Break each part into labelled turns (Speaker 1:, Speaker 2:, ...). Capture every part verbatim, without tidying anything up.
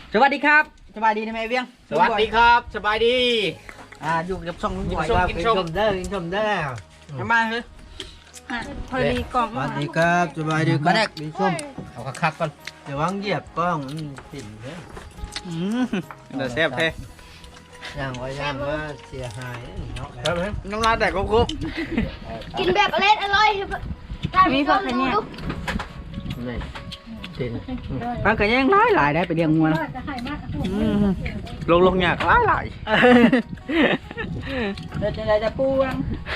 Speaker 1: สวัสดีครับสบายดีนะแม่เวียง
Speaker 2: สวัสดีครับสบายดี
Speaker 1: อ่าอยู่กับช่องลุงบอย
Speaker 2: กิน
Speaker 1: ว่า
Speaker 2: ส้ม
Speaker 1: กินชมเด้อกินชมเด้อทำไมาเฮ้ย
Speaker 3: พอดีกล่อง
Speaker 4: สวัสดีครับสบายดีค
Speaker 1: มา
Speaker 4: รั
Speaker 1: แร
Speaker 4: บ
Speaker 1: ก
Speaker 4: มีส้ม
Speaker 2: เอาคักๆก่อน
Speaker 4: เดี๋ยววางเหยียบกล้องมันติ่มเลย
Speaker 1: อืม
Speaker 2: เดี๋ยวแซ่บแท้
Speaker 4: ย่างไว้ย่างว่าเสียหายเนาะ
Speaker 2: ครับน้ำลายแตกครบ
Speaker 3: กินแบบอร่อยอร่อยมีผักเนี่ย
Speaker 4: นี่ติ่ม
Speaker 1: มันก็ยังหลายหลายได้ไปเลี้ยงงัวนะอืม
Speaker 2: ลงลงๆยากหลายหลาย
Speaker 1: เดี๋ยวจะได้จะปูวัง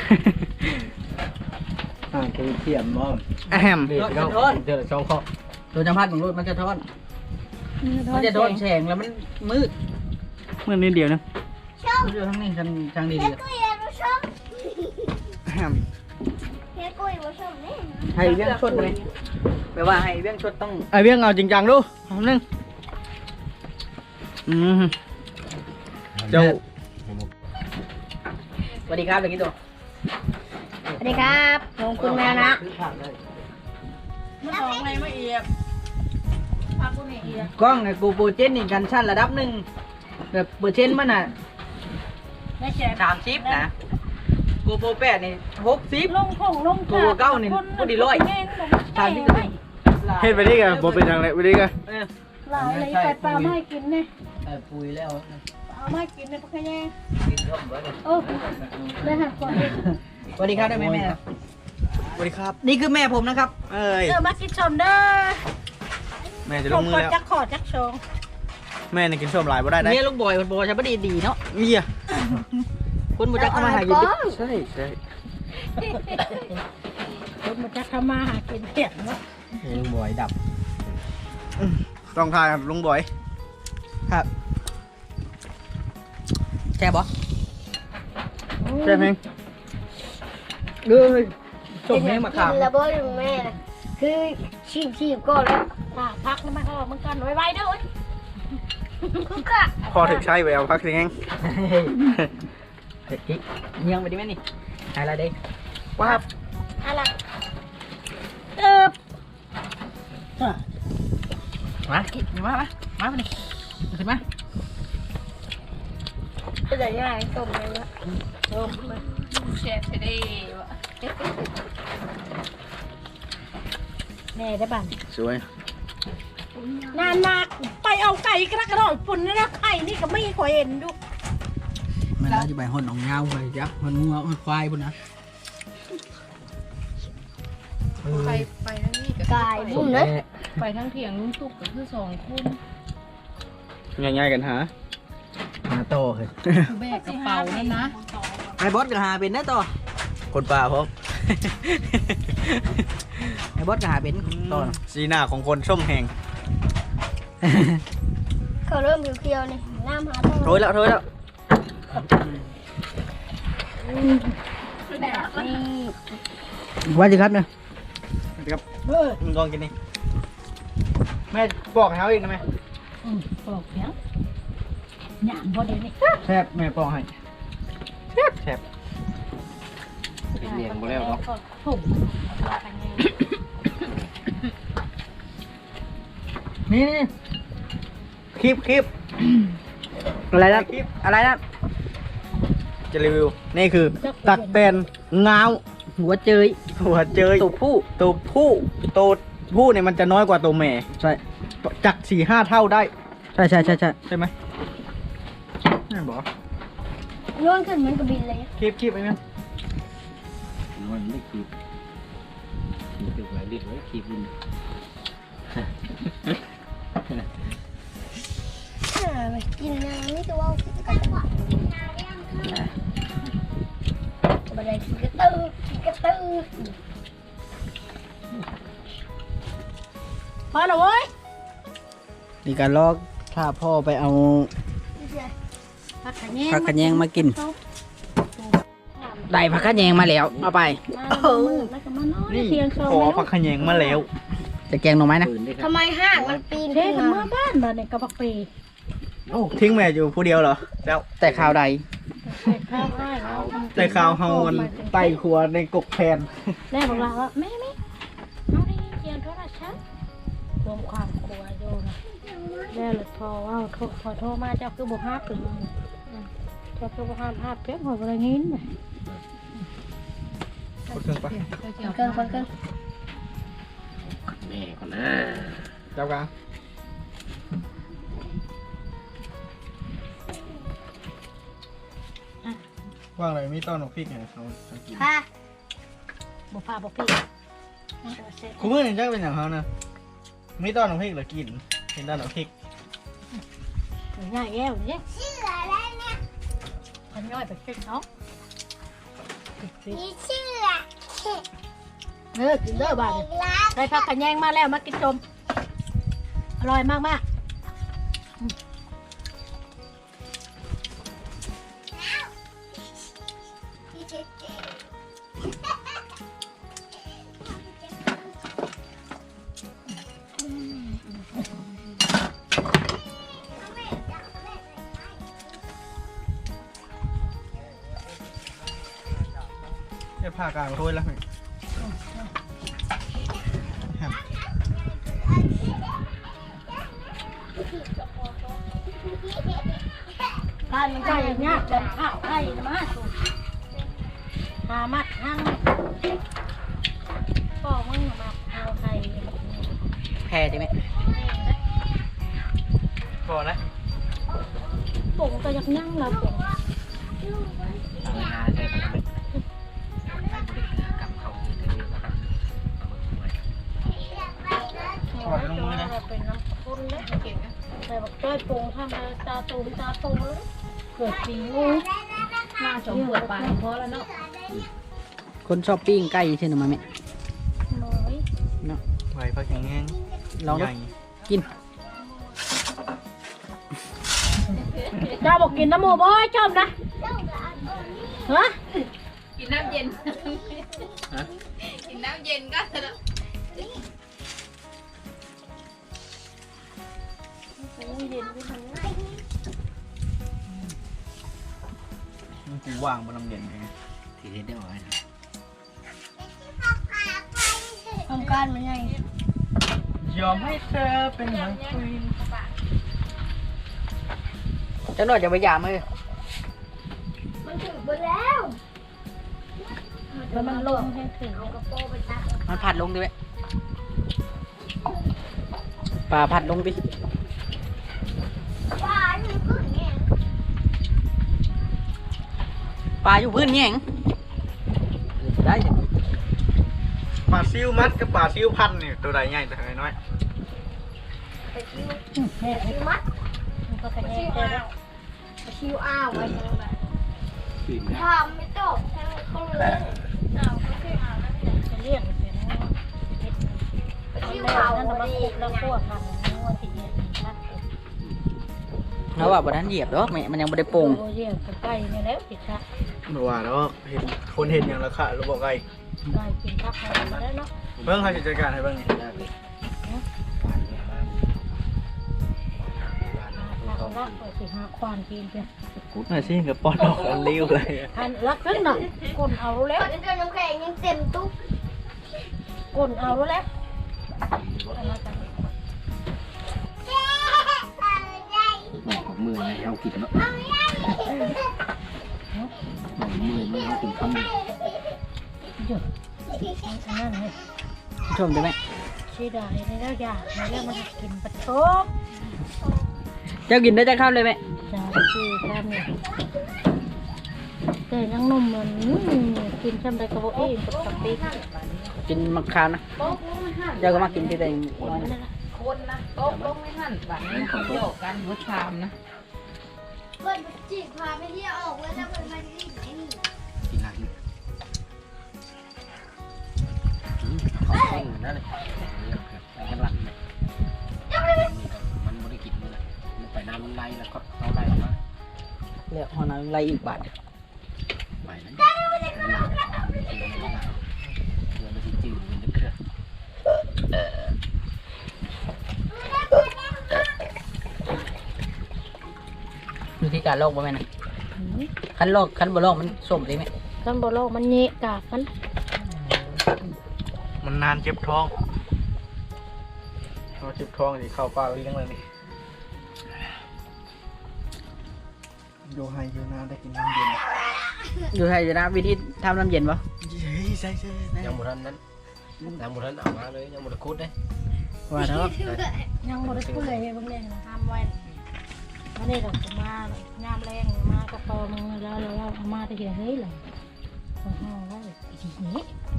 Speaker 4: อ่าคือเทียมมอม
Speaker 1: แอม
Speaker 4: เด็ด
Speaker 1: มัน
Speaker 4: เนาะ
Speaker 1: จะทน
Speaker 4: เจอสองข้อ
Speaker 1: ตัวจำพัดของรถมันจะทนมันจะโดนแสงแล้วมันมืดมืดนิดเดียวนะมืดอยู่ทั้งนี้ทางทางนี้ดี
Speaker 3: กุ้ยรู้ชม
Speaker 1: แอม
Speaker 3: เฮ้ยกุ้ยรู้ชมนี่
Speaker 1: ให้เบี้ยงชดเลยแปลว่าให้เบี้ยงชดต้องไอเบี้ยงเอาจริงจังดูเอาหนึ่งอืม
Speaker 2: เจ้า
Speaker 1: สวัสดีครับเด็กกี่ตัว
Speaker 3: สวัสดีครับผมคุณแมวนะ
Speaker 4: ซื้อผักเลย
Speaker 3: มาสองไงมาเอียบพักกูนี่เอียบ
Speaker 1: กล้องเนี่ยกูโปรเจนนี่กันชั้นระดับหนึ่งแบบเปอร์เซ็นต์มันอ่ะ
Speaker 3: ไม่แฉะ
Speaker 1: สามสิบนะกูโปรแปดนี่หกสิบ
Speaker 3: ลงผงลง
Speaker 1: กูเก้านี่กูดีร้อยสามสิบ
Speaker 2: เฮ็ดไปนี่กันบ่เป็นจังไดไปนี่กัน
Speaker 1: เออ
Speaker 3: ลายอะไรไปปลาไม่กินเนี่ย
Speaker 4: แต่ปุยแล้ว
Speaker 3: ปลาไม่กินเนี่ยพวกแค่
Speaker 4: กินส้มไว้เลย
Speaker 3: โอ้ได้หักก่อน
Speaker 1: สวัสดีครับได้ไหมแม่
Speaker 2: สวัสดีครับ
Speaker 1: นี่คือแม่ผมนะครับ
Speaker 2: เอ้ย
Speaker 3: เออมากินชมเด้อ
Speaker 2: แม่จะ
Speaker 3: ผ
Speaker 2: ล
Speaker 3: ม
Speaker 2: งมื
Speaker 3: ก
Speaker 2: อ
Speaker 3: ด
Speaker 2: แล้ว
Speaker 3: จักขอจักชง
Speaker 2: แม่นี่กินส้มหลายบ่ได้ได้
Speaker 1: เมียลูกบอยคนโบใช่ปะดีดีเนาะ
Speaker 2: เมีย
Speaker 1: คนบูจักเข้ามาหากิน
Speaker 2: ใช่ใช่
Speaker 3: ผมมาจักทำมาหากินเห็ดเนาะ
Speaker 4: ลุงบอยดับ
Speaker 2: ต้องทายครับลุงบอย
Speaker 1: ครับแช่บอ
Speaker 2: แซ่บแฮง
Speaker 1: เลยส่งให้มาขาม
Speaker 3: ระเบิดแม่นะคือชีบชีบก็แล้วพักแล้วไม่เขามึงกันไว้ไว้ด้วยคือกะ
Speaker 2: พอถึงใช้แววพักสิแฮง
Speaker 1: เด็กกิ๊กเงียงไปดิแม่นี่อะไรเด้
Speaker 2: ว้าบ
Speaker 3: อะไรเออ
Speaker 1: มากิ๊กมามามามาดิขึ้นมา
Speaker 3: จะได้ง่ายต้มเลยนะต้มเชฟดีวะแน่ได้บ้าน
Speaker 2: สวย
Speaker 3: นานมากไปเอาไก่กระกระโดดปุ่นนะไข่นี่ก็ไม่เคยเห็นดู
Speaker 1: ไม่น่าจะไปหอนของเงาไปยักษ์มันงัวมันควายพุ่นนะ
Speaker 5: ไปไปทั้งนี้ก็
Speaker 3: ไก่บุ้มนะ
Speaker 5: ไปทั้งเถียงลุงตุกก็คือสองคน
Speaker 2: ง่ายๆกันหา
Speaker 4: มาโตเลย
Speaker 5: แบกกระเป๋านั่นนะ
Speaker 1: ไอ้บอสก็หาเป็นนะต่อ
Speaker 2: คนป่าพบ
Speaker 1: ไอ้บอสก็หาเป็นต่อ
Speaker 2: สีหน้าของคนส้มแหง
Speaker 3: เขาเริ่มเขียวๆนี่น้ำหาต้อง
Speaker 1: โถยแล้วโถยแล้ว
Speaker 3: แบบนี้
Speaker 1: ว่าสิครับเนี่ย
Speaker 2: ครับมึงลองกินนี่แม่บอกให้เขาอีกนะแม่
Speaker 3: ปลอกเนี้ยหยามพอดีนี่
Speaker 1: แซ่บแม่ปองให้
Speaker 2: แซ่บแซ่บเลี้ยงบ่แล้วเนาะ
Speaker 3: ถุง
Speaker 1: นี่นี่
Speaker 2: คลิปคลิป
Speaker 1: อะไรนะอะไรนะ
Speaker 2: จะรีวิวนี่คือตักแตนงาว
Speaker 1: หัวเจย
Speaker 2: หัวเจย
Speaker 1: ตัวผู้
Speaker 2: ตัวผู้ตัวผู้เนี่ยมันจะน้อยกว่าตัวแม่
Speaker 1: ใช่
Speaker 2: จักสี่ห้าเท่าได้
Speaker 1: ใช่ใช่ใช่ใช่
Speaker 2: ใช่ไหมนั่นบอก
Speaker 3: โยนขึ้นเหมือนกับบินเลย
Speaker 2: คลิปคลิปไอ้แม่
Speaker 4: มันไม่คีบคีบเก็บไว้ดิบไว้คีบดิน
Speaker 3: กินน้ำนี่ตัวกระตุ้นบันไดกระตือกระตือพอแล้วเว้ย
Speaker 1: นี่การลอกถ้าพ่อไปเอา
Speaker 3: ผักขะแยง
Speaker 1: ผักขะแยงมากิน ได้ผักขะแยงมาแล้วเอาไป
Speaker 3: แล้วก็มานอนเทียงโซ
Speaker 2: ขอผักขะแยงมาแล้ว
Speaker 1: จะแกงหน่อไม้นะ
Speaker 4: ปืนด้วยครั
Speaker 3: ทำ
Speaker 4: บ
Speaker 3: ไมห้างมันปีนขึ้นมาบ้านบ้านเนี่ยกระปักปี
Speaker 2: โอ้ทิ้งแม่อยู่ผู้เดียวเหรอแล้ว
Speaker 1: แต่ข่าวใด
Speaker 3: ใส่ข้าวให้เรา
Speaker 2: แต่ข่าวเฮามันไต่ครัวในกกแพน
Speaker 3: แม่บอกเราว่าแม่แม่เอาได้ยินเสียงโทรศัพท์รวมความกลัวโยนะแล้วเลยพอว่าโทรพอโทรมาเจ้าคือบุห้าถึงเจ้าคือบุห้าภาพเป๊ะหมดอะไรงี้น่ะ
Speaker 2: คนเครื่องปะ
Speaker 3: เครื่องคนเครื่อง
Speaker 4: แม่ก่อนนะ
Speaker 2: จับกลางว่างเลยมีต้อนหนกพริกไงเขาเขากิน
Speaker 3: ค่ะบุพาบุพี่
Speaker 2: คุณมือนี่จักเป็นอย่างเขานะมีต้อนหนกพริกหรือกินเห็นต้อนหนกพริก
Speaker 3: ง่ายแย่เนี่ยชื่ออะไรเนี่ยมันย่อยไปกินเนาะมีชื่อเออกินเด้อบ้านได้ผักขะแยงมาแล้วมากินชมอร่อยมากมาก
Speaker 2: ได้ผ้ากลางโรยแล้วไหม
Speaker 3: การมันใช่เนี่ยจะข้าวไข่มาสุดหามัดหั่งก็มึงมาเอาไข่
Speaker 1: แพ้ได้ไหม
Speaker 2: พอแล้ว
Speaker 3: ปุ่งก็ยักยั่งเราปุ่ง
Speaker 4: ทางหาใช่ไหมกับเขาเยอะๆนะครับ
Speaker 2: ถอดลงมือนะ
Speaker 3: เป็นน้ำข้นเลยเก่งนะแต่บอกจ้อยปุ่งทำอะไรตาตูมตาตูเลยเกิดปีงู
Speaker 5: มาสองขวดปลาพอแล้วเนาะ
Speaker 1: คนชอบปิ้งไก่ใช่ไหมแม่
Speaker 3: น้อย
Speaker 1: เนาะ
Speaker 2: ไหวพักแห้ง
Speaker 1: ลองดู
Speaker 2: ใหญ่
Speaker 1: กิน
Speaker 3: เจ้าบอกกินน้ำหมูบ่อยชอบนะฮะ
Speaker 5: กินน้ำเย็นกินน้ำเย็นก็เถอะ
Speaker 2: มันกูว่างบนน้ำเย็นไง
Speaker 4: ที่เห็นได้ไหม
Speaker 3: ทำการมันไง
Speaker 2: ยอมให้เธอเป็นเหมือนคุย
Speaker 1: จังหน่อยจะไปยามเลย
Speaker 3: มันถึงไปแล้วแล้วมันลงให้ถึงเอากระโปรงไปตัก
Speaker 1: มันผัดลงดิไหมปลาผัดลงดิ
Speaker 3: ปลาอยู่พื้นเนี่ย
Speaker 1: ปลาอยู่พื้นแง่งได้จ้ะ
Speaker 2: ปลาซิวมัดกับปลาซิวพันนี่ตัวใดใหญ่ตัวใดน้อย
Speaker 3: ไปชิวเห็ดชิวมัดมันก็เป็นชิวอ้าวชิวอ้าวไว้ทำไม่จบให้เขาเลยอ้าวเขาชิวอ้าวจะเรียกเสียงชิวอ้าวนั่นมาคุกแล้วพวกทำนัวสีเย็นชัด
Speaker 1: แล้วว่าบนนั้นเหยียบดอกแม่มันยังไม่ได้โป่ง
Speaker 3: โอ้ยใกล้นี่แล้วผิดชัด
Speaker 2: เมื่อวานแล้วเห็นคนเห็นอย่างละค่ะเราบอกไง
Speaker 3: ใกล้กินพักมาแล้วเนาะ
Speaker 2: เบิ่งเขาจะจัดการให้เบิ่งนี่
Speaker 3: เรารักไปสิหาควานกินเพียง
Speaker 2: กูน่าซิกับปอนออกอันเลี้ยวเลย
Speaker 3: อันรักขึ้นหน่อยคนเอาแล้ว
Speaker 6: เจ้าน้ำแข็งยังเต็มตุ๊ก
Speaker 3: คนเอาแล้ว
Speaker 4: หมอกของมือนะเอากินเนาะหมอกมือไม่เอากินคำ
Speaker 3: หยุดนั่นเลย
Speaker 1: ชมได้ไหม
Speaker 3: ชีดายในแล้วอยากในเรื่องมันกินปลาโชก
Speaker 1: เจ้ากินได้จะเข้าเลยไหม
Speaker 3: จะชีแค่นี้แต่ยังนุ่มเหมือนกินช่ำใดกระโบเองกับกับปีก
Speaker 1: กินมะขามนะเจ้าก็มากินที่ตัวเอง
Speaker 5: คนนะโต๊ะลงไม่หั่นแบบนี้เขาโยกกันรถชามนะ
Speaker 6: เปิดจีบพาไปเที่ยวออกแล้วจะเปิดมาที่ไหนนี่
Speaker 4: กินอะไรเขาเต้นนั่นเลยไปกันหลังเลยมันไม่ได้กินเลยมันไปน้ำมันไหลแล้วก็เขาไหลออกมา
Speaker 1: เรียกหอนาไรอีกบาท
Speaker 4: ไปแล้วเดี๋ยวมันจะจืดมันจะเคลื่อน
Speaker 1: วิธีการลอกบ่แม่นะคันลอกคันบ่ลอกมันส้มเลยไหม
Speaker 3: ท่านบอกโลกมันเนะกาบมัน
Speaker 2: มันนานเจ็บท้องเขาเจ็บท้องสิเข้าปากเลี้ยงเลยนี่โยไฮโยนาได้กินน้ำเย็น
Speaker 1: อยู่ไทยจะนะวิธีทำน้ำเย็นปะ
Speaker 2: เฮ้ยใช่ใช่ใช่
Speaker 4: ยังบ่ทันนั้นยังบ่ทันเอามาเลยยังบ่ได้คุดเด้
Speaker 1: ว่าเถอะ
Speaker 3: ยังหมดเปื่อยบางแรงทำไว้ไม่ได้ดอกมางามแรงมากระปอมึงแล้วแล้วเอามาแต่เหี้ยเฮ้ยเลยห่อไว้ทีนี้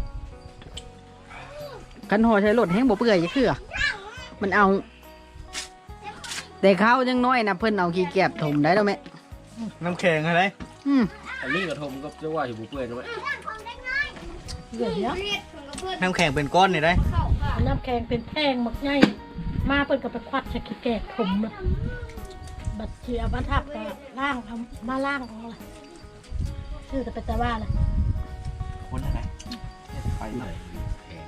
Speaker 1: กันห่อใช้รถแห้งบ่เปื่อยจะคือมันเอา แต่เขายังน้อยนะเพิ่นเอาขี้เกียจถมได้แล้วแม่
Speaker 2: น้ำแข็งอะไร
Speaker 1: อืม
Speaker 4: อันนี้กระทมก็จะว่าอยู่บ่เปื่อยนะแม่
Speaker 3: เหลือเนาะ
Speaker 2: น้ำแข็งเป็นก้อนนี่ได้
Speaker 3: น้ำแข็งเป็นแท่งหมักใหญ่มาเปิดกับไปควัดใช้ขี้แกะถมเลยบัดเจียบัดทับก็ล่างเอามาล่างเอาเลยชื่อแต่เป็นตะว่าเลย
Speaker 2: คนอะไรไปหน่อย
Speaker 4: แพง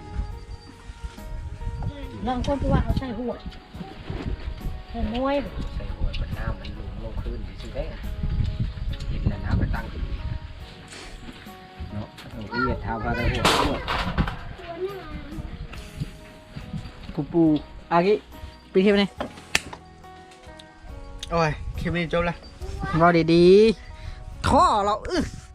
Speaker 3: ลองคนที่ว่าเอาใส่หัวใส่น้อย
Speaker 4: ใส่หัวมันน้ำมันหลุมลงพื้นสิได้เห็นแล้วน้ำไปตั้งขึ้นเนาะเอาที่เหยียดเท้าพาได้หัวหัว
Speaker 1: ปูปูอากิปีเทียบนี่
Speaker 2: โอ้ยคลิปนี้จบแล้ว
Speaker 1: รอดีๆท่อเราอื้อ